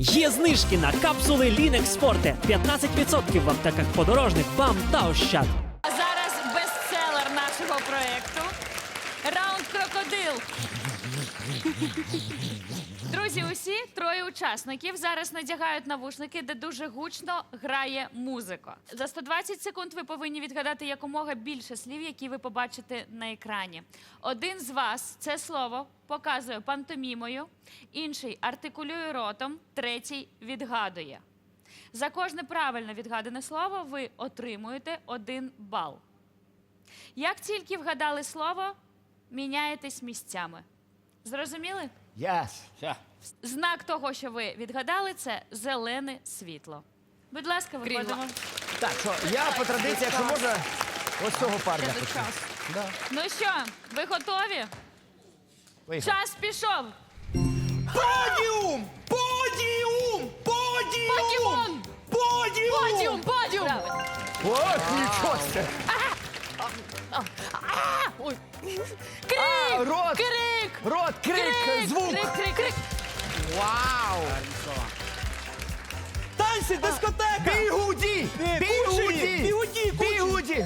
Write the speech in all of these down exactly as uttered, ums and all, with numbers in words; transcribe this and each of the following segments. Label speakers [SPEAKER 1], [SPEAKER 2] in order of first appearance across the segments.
[SPEAKER 1] Є знижки на капсули Лінекс Форте. п'ятнадцять відсотків в аптеках подорожних, БАМ та Ощад.
[SPEAKER 2] А зараз бестселер нашого проєкту. Раунд крокодил. Друзі, усі троє учасників зараз надягають навушники, де дуже гучно грає музика. За сто двадцять секунд ви повинні відгадати якомога більше слів, які ви побачите на екрані. Один з вас це слово показує пантомімою, інший артикулює ротом, третій відгадує. За кожне правильно відгадане слово ви отримуєте один бал. Як тільки вгадали слово, міняєтесь місцями. Зрозуміли?
[SPEAKER 3] Yes.
[SPEAKER 2] Знак того, що ви відгадали, це зелене світло. Будь ласка, виходимо.
[SPEAKER 3] Так, що я по традиції, якщо можна, ось цього парня хочу. Да.
[SPEAKER 2] Ну що, ви готові?
[SPEAKER 3] Поїхали.
[SPEAKER 2] Час пішов.
[SPEAKER 4] Подіум! Подіум! Подіум!
[SPEAKER 2] Подіум!
[SPEAKER 4] Подіум!
[SPEAKER 2] Подіум, подіум! Правильно.
[SPEAKER 3] О, нічого себе.
[SPEAKER 2] Ой.
[SPEAKER 3] А,
[SPEAKER 2] Крик!
[SPEAKER 3] рот.
[SPEAKER 2] Крик!
[SPEAKER 3] Рот, крик, звук.
[SPEAKER 2] Крик, крик, крик.
[SPEAKER 3] Вау.
[SPEAKER 4] Танці, дискотека!
[SPEAKER 3] Бігуді!
[SPEAKER 4] Е,
[SPEAKER 3] Бігуді!
[SPEAKER 4] кучері, бігуді, кучері.
[SPEAKER 3] Бігуді!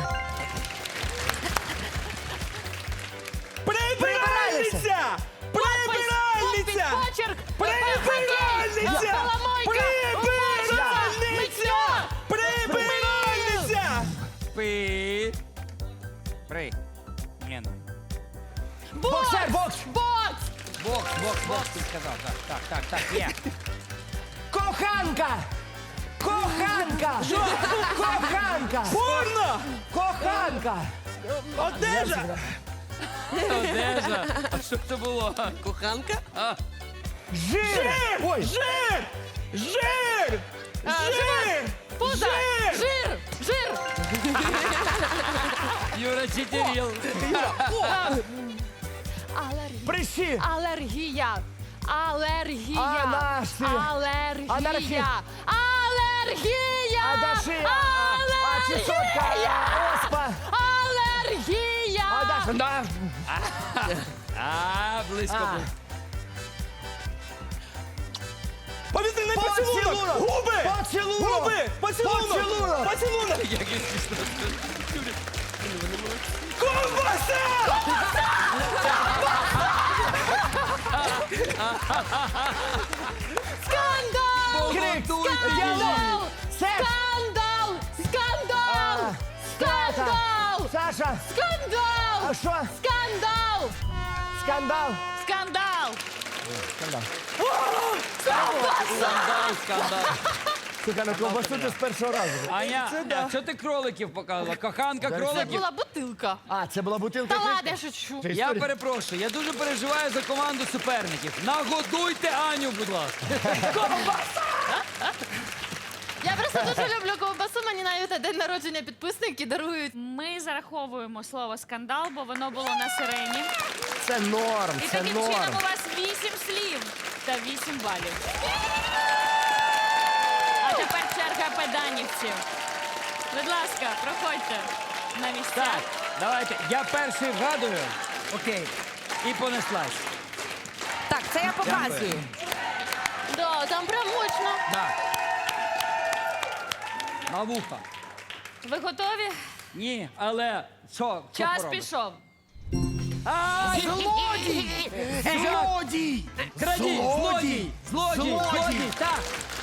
[SPEAKER 4] Прибиральниця! Прибиральниця!
[SPEAKER 2] Подпис, почерк!
[SPEAKER 4] Прибиральниця!
[SPEAKER 2] Поломойка!
[SPEAKER 4] Прибиральниця! Прибиральниця!
[SPEAKER 5] Пи. При. Ні, ну.
[SPEAKER 3] Боксер, бокс!
[SPEAKER 2] Бокс!
[SPEAKER 5] Бокс, бокс, бокс, ти сказав. Так, так, так, так, є.
[SPEAKER 3] Коханка! Коханка! Коханка!
[SPEAKER 4] Порно!
[SPEAKER 3] Коханка!
[SPEAKER 4] Одежа!
[SPEAKER 5] Одежа. А що це було? Коханка? А,
[SPEAKER 3] Жир!
[SPEAKER 4] Жир!
[SPEAKER 3] Ой,
[SPEAKER 4] Жир! Жир! Жир!
[SPEAKER 2] Пузо!
[SPEAKER 4] Жир!
[SPEAKER 2] Жир! Жир!
[SPEAKER 5] Юра Читеріл.
[SPEAKER 3] прищі!
[SPEAKER 2] Алергія! Алергія!
[SPEAKER 3] Анашія.
[SPEAKER 2] Алергія!
[SPEAKER 3] Анархія.
[SPEAKER 2] Алергія!
[SPEAKER 3] Адашия! А чесотка! Оспа!
[SPEAKER 2] Алергія!
[SPEAKER 3] Адаша! Да.
[SPEAKER 5] А, близько
[SPEAKER 3] А.
[SPEAKER 5] був.
[SPEAKER 4] Повітряний поцілунок!
[SPEAKER 3] Поцілунок!
[SPEAKER 4] Губи!
[SPEAKER 3] Поцілунок!
[SPEAKER 4] Губи! Поцілунок!
[SPEAKER 3] Поцілунок!
[SPEAKER 4] Поцілунок!
[SPEAKER 5] Який смішно.
[SPEAKER 4] Ковбаса!
[SPEAKER 2] Скандал!
[SPEAKER 3] Крик!
[SPEAKER 5] Готуйте
[SPEAKER 3] Діалог! Секс!
[SPEAKER 2] Скандал! Скандал!
[SPEAKER 3] А.
[SPEAKER 2] Скандал!
[SPEAKER 3] Саша!
[SPEAKER 2] Скандал!
[SPEAKER 3] А що?
[SPEAKER 2] Скандал!
[SPEAKER 3] Скандал!
[SPEAKER 2] Скандал!
[SPEAKER 3] Скандал.
[SPEAKER 5] Скандал, скандал.
[SPEAKER 3] Слухай, ну ковбасу ти з першого разу.
[SPEAKER 5] Аня, а що ти кроликів показувала? Коханка
[SPEAKER 2] Це
[SPEAKER 5] кроликів?
[SPEAKER 2] була бутилка.
[SPEAKER 3] А, це була бутилка?
[SPEAKER 2] Та
[SPEAKER 3] кришки?
[SPEAKER 2] ладно, я шучу.
[SPEAKER 3] Це
[SPEAKER 5] Я
[SPEAKER 3] історія.
[SPEAKER 5] перепрошую, я дуже переживаю за команду суперників. Нагодуйте Аню, будь ласка.
[SPEAKER 2] Я просто дуже люблю ковбасу, мені навіть на день народження підписники дарують. Ми зараховуємо слово скандал, бо воно було на сирені.
[SPEAKER 3] Це норм,
[SPEAKER 2] І
[SPEAKER 3] це
[SPEAKER 2] таким
[SPEAKER 3] норм.
[SPEAKER 2] чином у вас вісім слів та вісім балів. А тепер черга педанівців. Будь ласка, проходьте на місця.
[SPEAKER 5] Так, давайте. Я перший вгадую. Окей. І понеслась.
[SPEAKER 6] Так, це я показую.
[SPEAKER 2] Да, там прям мощно.
[SPEAKER 5] Да. На вуха.
[SPEAKER 2] Ви готові?
[SPEAKER 5] Ні, але що? що
[SPEAKER 2] Час
[SPEAKER 5] поробиш?
[SPEAKER 2] пішов.
[SPEAKER 5] А,
[SPEAKER 3] Злодій! Злодій!
[SPEAKER 5] Крадій, злодій, злодій,
[SPEAKER 3] Злодій!
[SPEAKER 5] злодій, так.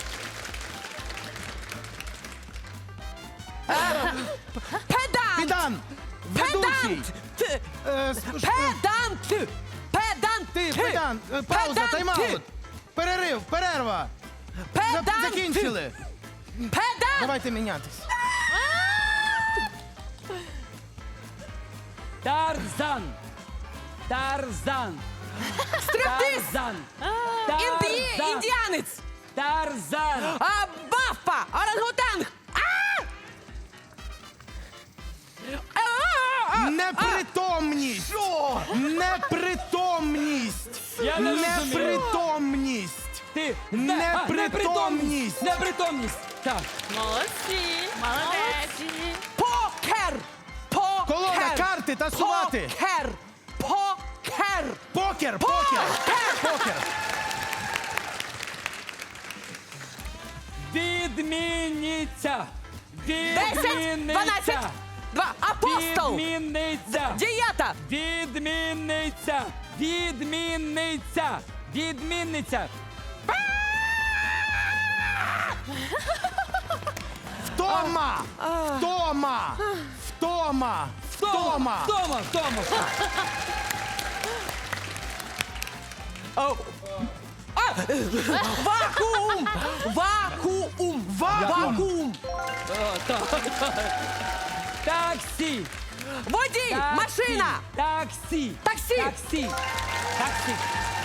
[SPEAKER 6] Педант!
[SPEAKER 4] Підан! Ведучий!
[SPEAKER 6] Педант!
[SPEAKER 4] Е, с- ш-
[SPEAKER 6] Педант! Педант!
[SPEAKER 4] Ти, Педан! Е, Пауза,
[SPEAKER 6] Педант!
[SPEAKER 4] тайм-аут! Перерив, перерва! За-
[SPEAKER 6] Педант!
[SPEAKER 4] Закінчили!
[SPEAKER 6] Педант!
[SPEAKER 4] Давайте мінятись.
[SPEAKER 5] Тарзан. Тарзан.
[SPEAKER 6] Стриптиз!
[SPEAKER 5] Тарзан.
[SPEAKER 6] Інді...
[SPEAKER 5] Тарзан.
[SPEAKER 6] Індіанець!
[SPEAKER 5] Тарзан.
[SPEAKER 6] А, Баффа! Орангутанг! А!
[SPEAKER 4] Непритомність! Що? Непритомність!
[SPEAKER 5] Я не розумію.
[SPEAKER 4] Непритомність!
[SPEAKER 5] Ти.
[SPEAKER 4] Непритомність!
[SPEAKER 5] Непритомність. Так.
[SPEAKER 2] Молодці. Молодець.
[SPEAKER 6] Покер! Покер!
[SPEAKER 4] Колода, карти, тасувати!
[SPEAKER 6] Покер! Покер!
[SPEAKER 4] Покер! Покер! Покер!
[SPEAKER 5] Відмінниця.
[SPEAKER 6] Десять, дванадцять,
[SPEAKER 5] Відмінниця.
[SPEAKER 6] два, апостол,
[SPEAKER 5] Відмінниця.
[SPEAKER 6] дієта,
[SPEAKER 5] Відмінниця. Відмінниця. Відмінниця.
[SPEAKER 4] Втома! Втома! Втома! Втома!
[SPEAKER 5] Втома. Втома.
[SPEAKER 6] вакуум, вакуум, вакуум,
[SPEAKER 5] Таксі.
[SPEAKER 6] водій,
[SPEAKER 5] Таксі.
[SPEAKER 6] машина,
[SPEAKER 5] Таксі.
[SPEAKER 6] Таксі.
[SPEAKER 5] Таксі. Таксі.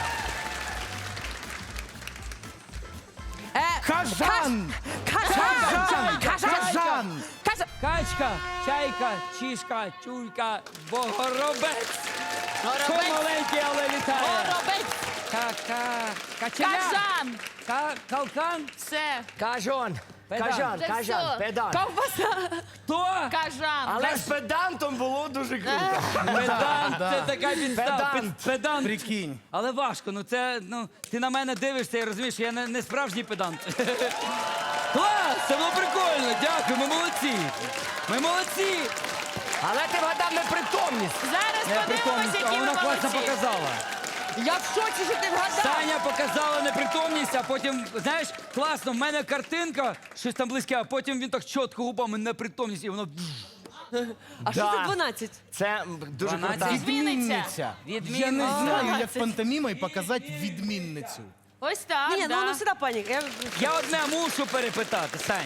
[SPEAKER 6] е,
[SPEAKER 4] Кажан!
[SPEAKER 6] кажан,
[SPEAKER 4] Кажан!
[SPEAKER 6] кажан,
[SPEAKER 4] Кажан!
[SPEAKER 6] кажан,
[SPEAKER 5] Качка, чайка, чішка, чулька, богоробець. Що маленький, але літає.
[SPEAKER 2] Горобець.
[SPEAKER 5] Ка-ка. Качеля.
[SPEAKER 2] Кажан.
[SPEAKER 5] Ка- Калкан.
[SPEAKER 2] Все.
[SPEAKER 3] Кажон.
[SPEAKER 5] Педант.
[SPEAKER 3] Кажан,
[SPEAKER 2] Вже
[SPEAKER 3] кажан,
[SPEAKER 2] все.
[SPEAKER 3] педант.
[SPEAKER 6] ковбаса,
[SPEAKER 5] Хто?
[SPEAKER 2] Кажан.
[SPEAKER 3] Але з педантом було дуже круто.
[SPEAKER 5] Педант. Це така підстава.
[SPEAKER 3] Педант.
[SPEAKER 5] Пед- Педант.
[SPEAKER 4] Прикинь.
[SPEAKER 5] Але важко, ну це, ну, ти на мене дивишся і розумієш, що я не, не справжній педант. Клас, це було прикольно, дякую, ми молодці. Ми молодці.
[SPEAKER 3] Але ти вгадав непритомність.
[SPEAKER 2] Зараз
[SPEAKER 5] Я
[SPEAKER 2] подивимося,
[SPEAKER 5] притомність, а
[SPEAKER 2] які ви
[SPEAKER 5] вона класно
[SPEAKER 2] молодці.
[SPEAKER 5] показала.
[SPEAKER 6] я в шоці, що ти вгадав.
[SPEAKER 5] Таня показала непритомність, а потім, знаєш, класно, в мене картинка, щось там близьке, а потім він так чітко губами непритомність, і воно...
[SPEAKER 6] А що
[SPEAKER 3] Да.
[SPEAKER 6] це дванадцять?
[SPEAKER 3] Це м, дуже
[SPEAKER 5] дванадцять.
[SPEAKER 3] круто.
[SPEAKER 2] Відмінниця.
[SPEAKER 4] Я не знаю, як пантомімою показати відмінницю.
[SPEAKER 2] Ось так,
[SPEAKER 6] Ні,
[SPEAKER 2] да.
[SPEAKER 6] ну, ну сюди паніка. Я...
[SPEAKER 5] Я одне мушу перепитати, Сань.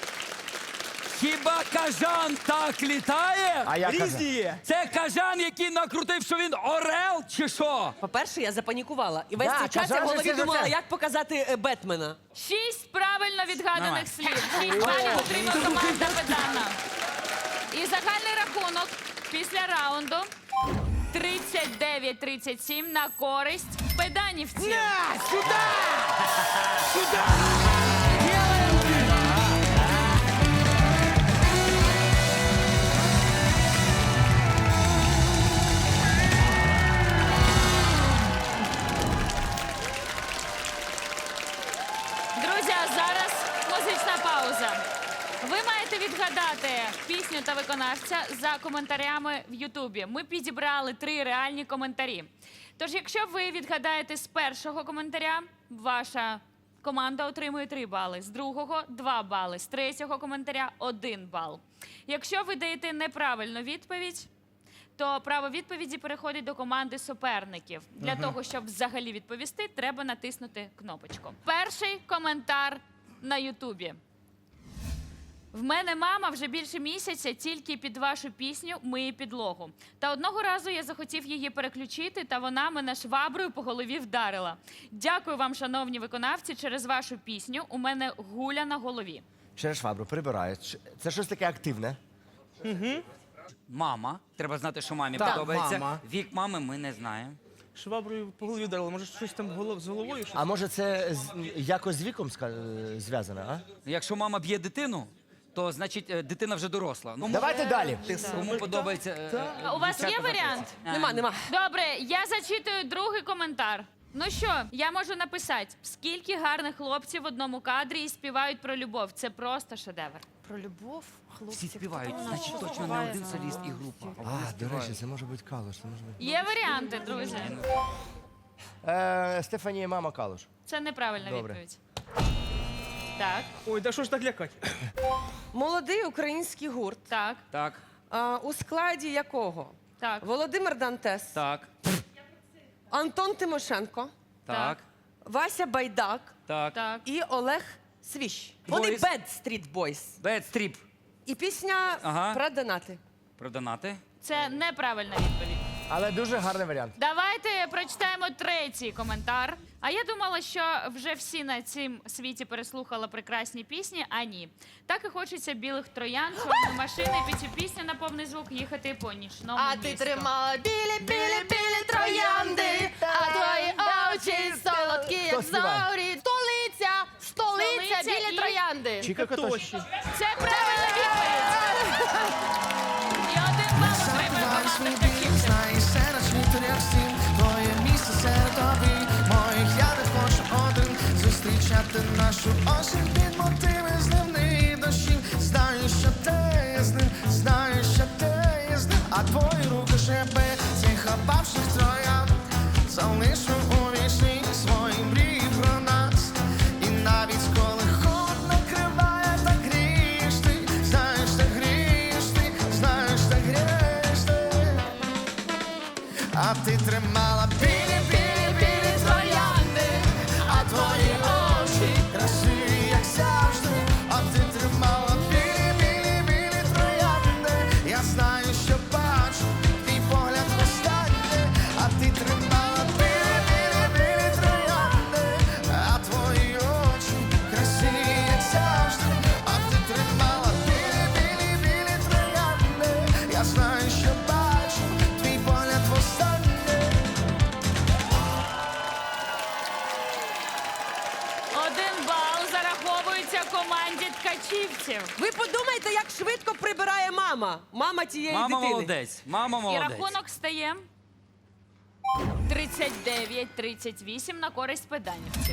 [SPEAKER 5] Хіба кажан так літає?
[SPEAKER 3] А я кажу.
[SPEAKER 5] є. Це кажан, який накрутив, що він орел, чи що?
[SPEAKER 6] По-перше, я запанікувала. І весь
[SPEAKER 3] Да,
[SPEAKER 6] цей час я
[SPEAKER 3] кажан
[SPEAKER 6] в
[SPEAKER 3] же
[SPEAKER 6] голові
[SPEAKER 3] це
[SPEAKER 6] думала,
[SPEAKER 3] життя.
[SPEAKER 6] як показати е, Бетмена.
[SPEAKER 2] Шість правильно відгаданих
[SPEAKER 5] Давай.
[SPEAKER 2] слів. Шість балів отримав команда Педана. І загальний рахунок після раунду тридцять дев'ять тридцять сім на користь педанівців. Друзі, а зараз музична пауза. Ви маєте відгадати пісню та виконавця за коментарями в Ютубі. Ми підібрали три реальні коментарі. Тож, якщо ви відгадаєте з першого коментаря, ваша команда отримує три бали, з другого – два бали, з третього коментаря – один бал. Якщо ви даєте неправильну відповідь, то право відповіді переходить до команди суперників. Для того, щоб взагалі відповісти, треба натиснути кнопочку. Перший коментар на Ютубі. В мене мама вже більше місяця тільки під вашу пісню миє підлогу. Та одного разу я захотів її переключити, та вона мене шваброю по голові вдарила. Дякую вам, шановні виконавці, через вашу пісню у мене гуля на голові.
[SPEAKER 3] Через швабру прибираю. Ш- Це щось таке активне.
[SPEAKER 5] Мама. Треба знати, що мамі
[SPEAKER 4] Так,
[SPEAKER 5] подобається.
[SPEAKER 4] мама.
[SPEAKER 5] Вік мами ми не знаємо.
[SPEAKER 4] Шваброю по голові вдарили. Може, щось там голов- з головою?
[SPEAKER 3] А може це з- якось з віком ска- е, зв'язано, а?
[SPEAKER 5] Якщо мама б'є дитину, то значить е, дитина вже доросла. Ну,
[SPEAKER 3] Давайте далі.
[SPEAKER 5] кому подобається. е, е,
[SPEAKER 2] А у вас є
[SPEAKER 5] дівчата
[SPEAKER 2] варіант?
[SPEAKER 5] А,
[SPEAKER 6] Нема, нема.
[SPEAKER 2] Добре, я зачитую другий коментар. Ну що, я можу написати, скільки гарних хлопців в одному кадрі і співають про любов. Це просто шедевр.
[SPEAKER 6] Про любов,
[SPEAKER 5] Всі співають, значить точно не один соліст і група.
[SPEAKER 3] А, до речі, це може бути Калуш. Це може бути.
[SPEAKER 2] Є варіанти, друзі.
[SPEAKER 3] Е, Стефанія, мама Калуш.
[SPEAKER 2] Це неправильна
[SPEAKER 3] Добре.
[SPEAKER 2] відповідь. Так,
[SPEAKER 4] Ой, да що ж так лякати?
[SPEAKER 6] Молодий український гурт,
[SPEAKER 2] так,
[SPEAKER 5] Так,
[SPEAKER 6] а, у складі якого
[SPEAKER 2] так.
[SPEAKER 6] Володимир Дантес,
[SPEAKER 5] так,
[SPEAKER 6] Антон Тимошенко,
[SPEAKER 5] так,
[SPEAKER 6] Вася Байдак
[SPEAKER 5] так.
[SPEAKER 2] Так.
[SPEAKER 6] і Олег Свіщ. Вони
[SPEAKER 5] Boys.
[SPEAKER 6] Bad Street Boys.
[SPEAKER 5] Bad Strip.
[SPEAKER 6] І пісня
[SPEAKER 5] Ага.
[SPEAKER 6] про донати.
[SPEAKER 5] Про донати.
[SPEAKER 2] Це неправильна відповідь.
[SPEAKER 3] Але дуже гарний варіант.
[SPEAKER 2] Давайте прочитаємо третій коментар. А я думала, що вже всі на цім світі переслухали прекрасні пісні, а ні. Так і хочеться білих троян, чорної машини, під цю пісню на повний звук їхати по нічному
[SPEAKER 7] А ти
[SPEAKER 2] місту.
[SPEAKER 7] тримала білі, білі, білі троянди, а твої очі солодкі, як
[SPEAKER 3] Хто співає?
[SPEAKER 7] зорі. Столиця, столиця,
[SPEAKER 2] Столиця
[SPEAKER 7] білі
[SPEAKER 2] і-
[SPEAKER 7] троянди.
[SPEAKER 3] Чіка Котоші.
[SPEAKER 2] Це правильна відповідь! І один бал отримує команда Ткачівців.
[SPEAKER 8] Знаєш, серед світу, як всім, твоє місце серед обій моїх, я не хочу один зустрічати нашу осінь під мотиви з тримала білі, білі, білі троянди, а твої очі красиві, як завжди. А ти тримала білі, білі, білі троянди. Я знаю, що бачу, твій погляд востаннє. А ти тримала білі, білі, білі троянди, а твої очі красиві, як завжди. А ти тримала білі, білі, білі троянди. Я знаю, що бачу, твій погляд востаннє.
[SPEAKER 2] Один бал зараховується команді ткачівців.
[SPEAKER 6] Ви подумайте, як швидко прибирає мама. Мама тієї
[SPEAKER 5] Мама
[SPEAKER 6] дитини.
[SPEAKER 5] молодець, мама
[SPEAKER 2] І
[SPEAKER 5] молодець.
[SPEAKER 2] рахунок стає тридцять дев'ять тридцять вісім на користь педанівців.